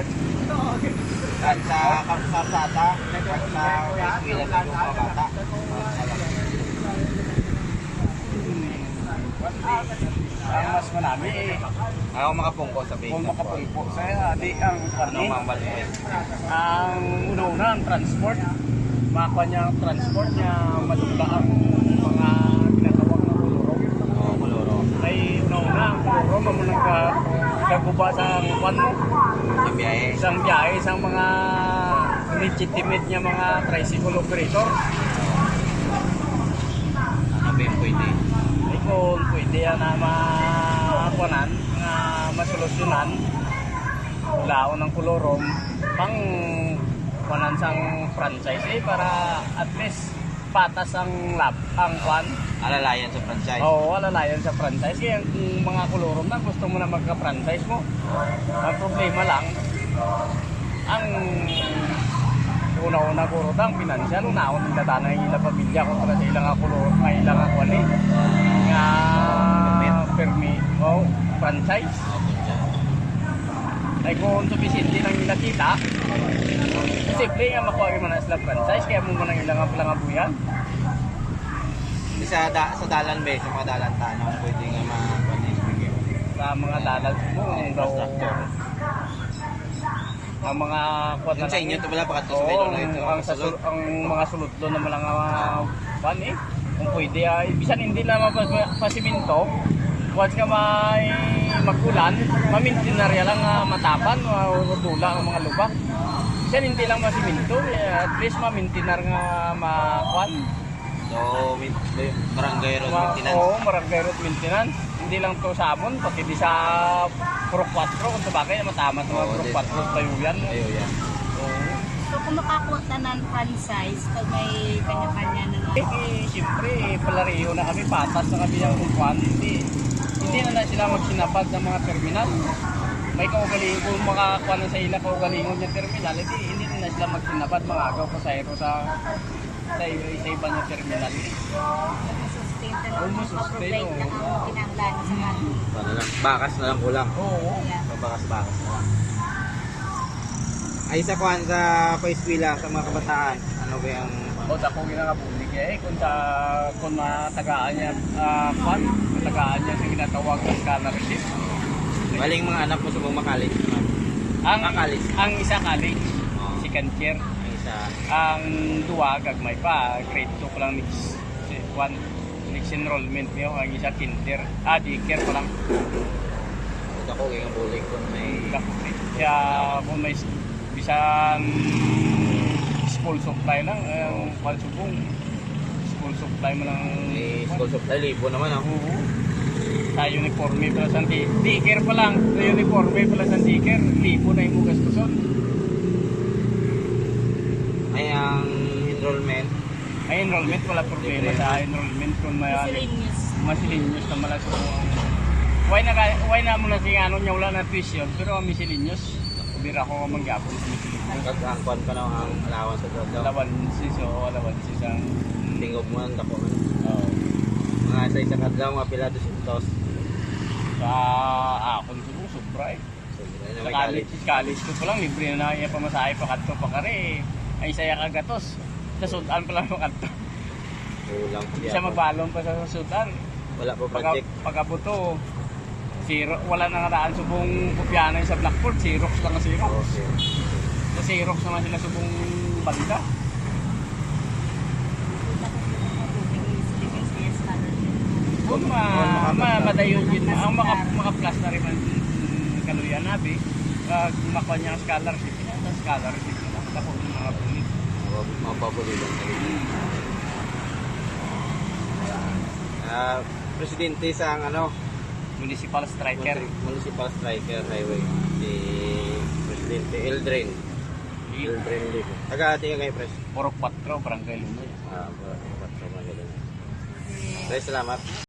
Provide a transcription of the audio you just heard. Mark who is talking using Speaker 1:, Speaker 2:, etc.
Speaker 1: At sa kalsada, at sa eskwela ng mga bata.
Speaker 2: Ang mas marami
Speaker 1: Ayaw makapungko sa bacon.
Speaker 2: kung makapulpo sa di ang
Speaker 1: Ano
Speaker 2: karne.
Speaker 1: mamaliit?
Speaker 2: Ang una-una ang transport. Makakuha niya ang transport niya madugla ang mga ginatawag na kulurong.
Speaker 1: Oo, kuluro.
Speaker 2: Ay una-una ang kulurong mo nagkaguba sa kwan mo.
Speaker 1: Sa biyahe.
Speaker 2: Isang biyahe, isang mga legitimate niya mga tricycle operator.
Speaker 1: Ano ba yung pwede?
Speaker 2: Ay kung pwede yan na makuanan, na masolusyonan, laon ng kulurong, pang kuanan sang franchise para at least patas ang ang kwan.
Speaker 1: Alalayan sa franchise.
Speaker 2: Oo, alalayan sa franchise. Kaya kung mga kulurong na gusto mo na magka-franchise mo, ang problema lang, ang una-una ko rin ang pinansyal, unaon ng dadana yung ilang pamilya ko para sa ilang kulurong, may ilang kwali, nga permit o franchise. Ay kung supisindi lang yung nakita, simple nga makuha mo na sila franchise, kaya mo mo nang ilang buyan.
Speaker 1: Sa dalan ba, sa mga dalan tanong, pwede nga ma-connect.
Speaker 2: Sa mga dalag mo,
Speaker 1: Infrastructure.
Speaker 2: ang mga kuwan
Speaker 1: Yung sa inyo, ito pala pakatlo sa
Speaker 2: Oo,
Speaker 1: Baylor na ito.
Speaker 2: ang mga sulod doon na mga kuwan kung pwede ay bisan hindi na mapasiminto, once ka may magulan, mamintinarya lang matapan, matula ang mga lubak. Bisan hindi lang masiminto, at least mamintinar nga makuan.
Speaker 1: So, barangay road maintenance.
Speaker 2: Oo, barangay road maintenance. Hindi lang to sa amon, pati di sa Puro 4, kung sabagay matama sa mga Puro 4 tayo yan.
Speaker 1: Ayo yan.
Speaker 2: Oo.
Speaker 3: So kung makakuha ng franchise, pag may kanya-kanya na lang.
Speaker 2: Siyempre, palariyo na kami, patas na kami yung kwan. Hindi na sila magsinapad ng mga terminal. May kaugalingon, kung makakuha na sa ila kaugalingon yung terminal, hindi na sila magsinapad, mga agaw ko sa iba niya terminal.
Speaker 3: Sustain na lang,
Speaker 2: Sustain,
Speaker 3: mag-provide na ang kinahanglan sa kanila.
Speaker 1: Ano lang, bakas na lang kulang.
Speaker 2: Oo.
Speaker 3: Yeah.
Speaker 1: So, bakas-bakas na lang. Ay, sa kuhan sa paeskwela, sa mga kabataan, ano ba yung...
Speaker 2: O dako ginakabulig kung matagaan niya kwan, matagaan niya sa ginatawag ng scholarship.
Speaker 1: Maling mga anak mo sa mga college naman. College.
Speaker 2: Ang isa college,
Speaker 1: Oo.
Speaker 2: second year.
Speaker 1: Ang isa,
Speaker 2: Ang duwa gagmay pa, grade 2 pa lang next enrollment niyo, ang isa kinder, daycare pa lang.
Speaker 1: ako kaya bulig kung may...
Speaker 2: Kaya kung may bisan school supply lang, pansubong school supply mo lang.
Speaker 1: May school supply, libo naman ako.
Speaker 2: Oo. Sa uniforme pala sa daycare pa lang, sa uniforme pala sa daycare, libo na yung gastuson.
Speaker 1: Ay, ang enrollment,
Speaker 2: Ay enrollment wala problema sa enrollment kung may
Speaker 3: Miscellaneous.
Speaker 2: miscellaneous na mala so why na mo na sing ano niya wala na tuition pero ang miscellaneous bira ko mangyapon sa miscellaneous.
Speaker 1: kag-angkon pa na ang allowance sa trabaho.
Speaker 2: Alawansis ang
Speaker 1: Tingog mo ang dako.
Speaker 2: oh,
Speaker 1: Mga sa isa kadlaw, mga pila 200.
Speaker 2: sa akon subong sobra eh.
Speaker 1: So, yun na
Speaker 2: Sa
Speaker 1: may
Speaker 2: college ko pa lang libre na iya pamasahe pa kadto pa kare ay saya kagatos sa sudan pa lang kadto.
Speaker 1: Kulang pa
Speaker 2: Isa magbalon pa sa sudan.
Speaker 1: Wala po project.
Speaker 2: Pagkabuto, zero, wala nang nataan subong kopyanan sa Blackboard, Xerox lang ang Xerox.
Speaker 1: Okay.
Speaker 2: Sa Xerox naman sila subong banda. Kung madayon yun, ang maka-plus na rin ang kaluyan nabi, makuha niya ang scholarship, ang scholarship na lang, tapos yung mga pulit.
Speaker 1: Mapapulitan sa presidente sa ano,
Speaker 2: Municipal striker.
Speaker 1: Municipal Striker Highway, si Presidente Eldrin Libo. Taga-ating kayo, Pres.
Speaker 2: Puro 4, barangay Lumoy.
Speaker 1: Pres, salamat.